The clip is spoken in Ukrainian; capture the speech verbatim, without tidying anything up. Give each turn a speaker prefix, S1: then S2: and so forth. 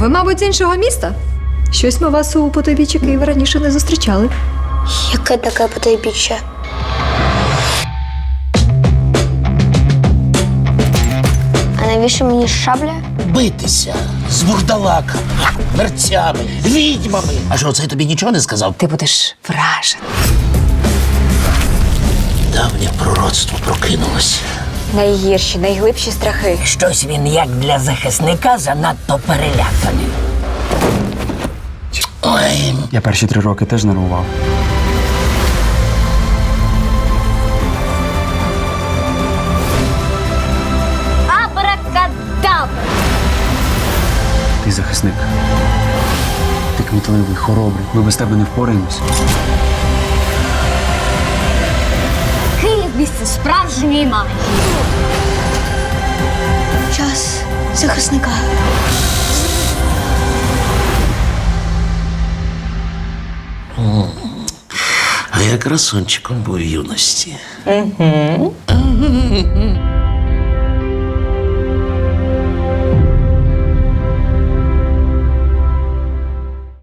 S1: Ви, мабуть, з іншого міста? Щось ми вас у потойбіччі Києва раніше не зустрічали.
S2: Яке таке потайбіччя? А навіщо мені шабля?
S3: Битися з вурдалаками, мерцями, відьмами. А що, це тобі нічого не сказав?
S1: Ти будеш вражений.
S3: Давнє пророцтво прокинулося.
S2: Найгірші, найглибші страхи.
S4: Щось він, як для захисника, занадто переляканий.
S3: Ой,
S5: Я перші три роки теж нервував.
S2: Абракадабра!
S5: Ти захисник. Ти кмітливий, хоробрий. Ми без тебе не впораємось.
S2: Київ – місце справжньої магії. Час захисника.
S3: а я красунчиком був в юності. Угу.